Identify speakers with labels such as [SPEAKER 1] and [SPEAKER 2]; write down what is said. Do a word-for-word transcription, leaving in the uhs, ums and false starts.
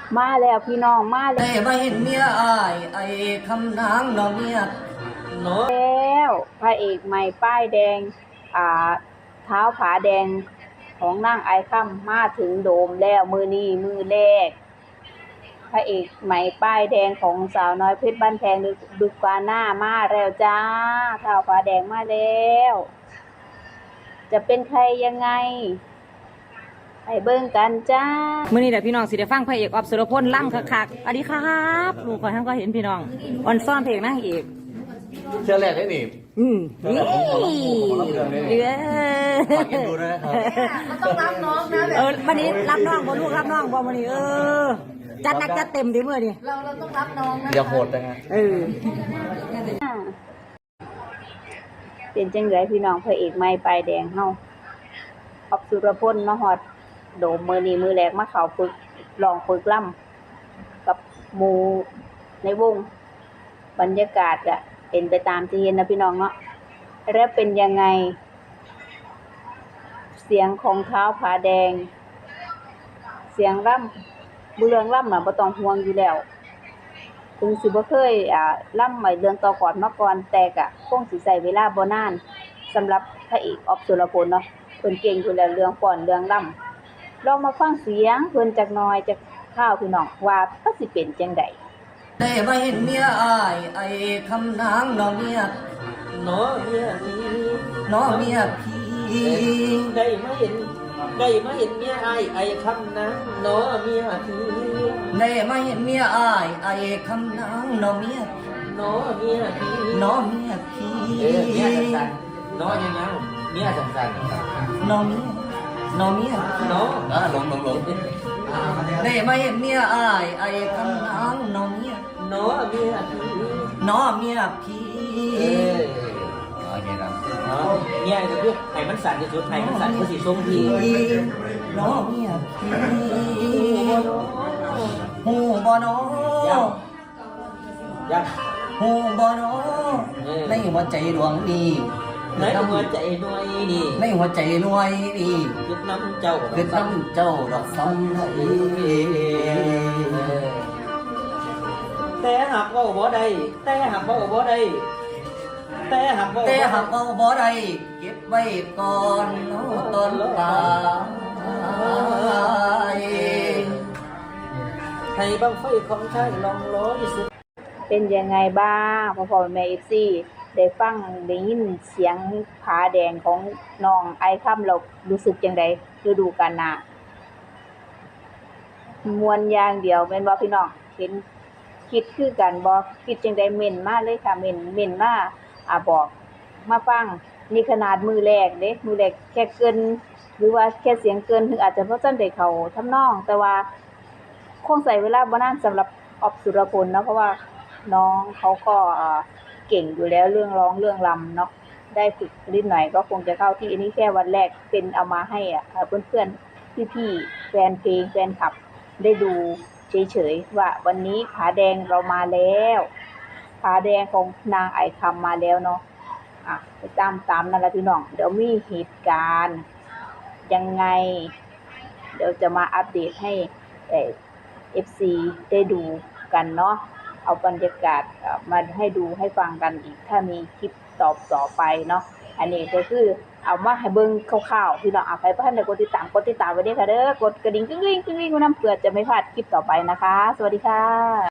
[SPEAKER 1] มาแล้วพี่น้องมาแล้ว
[SPEAKER 2] ได้มาเห็นเมียอายไอ้คำนางน้องเมียเนาะ
[SPEAKER 1] แล้วพระเอกใหม่ป้ายแดงอ่าเท้าผาแดงของนางไอค่ำมาถึงโดมแล้วมือนี้มือแรกพระเอกใหม่ป้ายแดงของสาวน้อยเพชรบ้านแพงดุกาหน้ามาแล้วจ้าเท้าผาแดงมาแล้วจะเป็นใครยังไงไปเบิ่งกันจ้า
[SPEAKER 3] มื่อนี้เดี๋ยวพี่น้องสิได้ฟังพระเอกออฟสุรพลล่ำคักๆสวัสดีครับลูกขอทั้งก็เห็นพี่น้องออนซ่อนเพลงนั่งเอก
[SPEAKER 4] เชื่อแรกได้หนิ
[SPEAKER 3] อืมนี่เออ
[SPEAKER 4] ฝากกันดูด้วยนะครับ
[SPEAKER 1] มันต้องรับน้องนะ
[SPEAKER 3] เออวันนี้รับน้องบ่ลูกรับน้องบ่วันนี้เออจัดหนักจัดเต็มดิเมื่อนี้
[SPEAKER 1] เราเราต้องรับน้องนะ
[SPEAKER 4] อย่าโหดนะฮะ
[SPEAKER 3] เออ
[SPEAKER 1] เป็นจังไดพี่น้องพระเอกใหม่ป้ายแดงเฮาออฟสุรพลมาฮอดโดมมือนี้มือแรกมาเข้าฝึกลองฝึกล่ำกับหมู่ในวงบรรยากาศอะเป็นไปตามที่เห็นนะพี่น้องเนาะแล้วเป็นยังไงเสียงของเท้าผาแดงเสียงล่ำเรื่องล่ำน่ะบ่ต้องห่วงอยู่แล้วถึงสิบ่เคยอ่าล่ำใหม่เรื่องต่อก่อนมาก่อนแต่ก็คงสิใช้เวลาบ่นานสำหรับพระเอกออฟสุรพลเนาะเพิ่นเก่งอยู่แล้วเรื่องฟ้อนเรื่องล่ำลองมาฟังเสียงเพิ่นจักหน่อยจักข้าวพี่น้องว่าก็สิเป็นจังได๋
[SPEAKER 2] ได้มาเห็นเมียอายไอ้คำนางน้องเมียเนาะเมียพี่เนาะเมียพี่
[SPEAKER 5] ได้มาเห็นได้มาเห็นเมียอายไอ้คำนั้นเนาะเมียพี่
[SPEAKER 2] ได้มาเห็นเมียอายไอ้คำนางน้องเมีย
[SPEAKER 5] เนาะเมียพี่
[SPEAKER 2] เนาะเมียพี่
[SPEAKER 5] เออเมียสั่นๆเนาะยังยังเมียสั่น
[SPEAKER 2] น้องเมียน้องเมีย
[SPEAKER 5] ๆเนาะ
[SPEAKER 4] อ่าหลงหลงหลง
[SPEAKER 2] ได้มาเห็นเมียอายไอ้คำนางน้องเมีย
[SPEAKER 5] เนาะเมียพี่
[SPEAKER 2] เนาะเมียพี่
[SPEAKER 5] เออ
[SPEAKER 4] โอเคครับ
[SPEAKER 5] เนาะเมียก็คือให้มันสั่นที่สุดให้มันสั่นก็สิทรงพี่
[SPEAKER 2] เนาะเมียพี่หูบ่เนาะ
[SPEAKER 5] ยัง
[SPEAKER 2] หูบ่เนาะในหัวใจดวงนี้
[SPEAKER 5] ในหัวใจหน่วยนี่
[SPEAKER 2] ในหัวใจหน่วยนี่
[SPEAKER 5] คิดน้ำเจ้า
[SPEAKER 2] คิดน้ำเจ้าดอกซ้ำให้
[SPEAKER 5] แต่หากว่าบ่ได้แต่หากว่าบ่ได้แต่หากว่า
[SPEAKER 2] แต่หากว่าบ่ได้เก็บไว้ก่อนเนาะตอนตาย
[SPEAKER 5] ให้บังไฟของชายลองร้อยสุด
[SPEAKER 1] เป็นยังไงบ้างพ่อพ่อแม่ เอฟ ซี ได้ฟังได้ยินเสียงผาแดงของน้องไอค่ำเรารู้สึกจังไดฤดูกาลหน้ามวนอย่างเดียวแม่นบ่พี่น้องเห็นคิดคือกันบ่คิดจังไดเม่นมาเลยค่ะเม่นเม่นมาอ่าบอกมาฟังนี่ขนาดมือแรกเด้มือแรกแค่เกินหรือว่าแค่เสียงเกินถึงอาจจะบ่ทันได้เข้าทำนองแต่ว่าคงใช้เวลาบ่นานสำหรับออฟสุรพลเนาะเพราะว่าน้องเขาก็อ่าเก่งอยู่แล้วเรื่องร้องเรื่องรำเนาะได้ฝึกนิดหน่อยก็คงจะเข้าที่อันนี้แค่วันแรกเป็นเอามาให้อ่ะเพื่อนๆพี่ๆแฟนเพลงแฟนคลับได้ดูเฉยๆว่าวันนี้ผาแดงเรามาแล้วผาแดงของนางไอคำมาแล้วเนาะอ่ะไปตามตามนั่นแหละพี่น้องเดี๋ยวมีเหตุการณ์ยังไงเดี๋ยวจะมาอัปเดตให้เอ่อ เอฟ ซี ได้ดูกันเนาะเอาบรรยากาศมาให้ดูให้ฟังกันอีกถ้ามีคลิปตอบต่อไปเนาะอันนี้ก็คือเอามาให้เบิ่งคร่าวๆพี่น้องเอาไปเพิ่นได้กดติดตามกดติดตามไว้ด้วยค่ะเด้อกดกระดิ่งกึ้งๆกึ้งๆไว้นำเพื่อจะไม่พลาดคลิปต่อไปนะคะสวัสดีค่ะ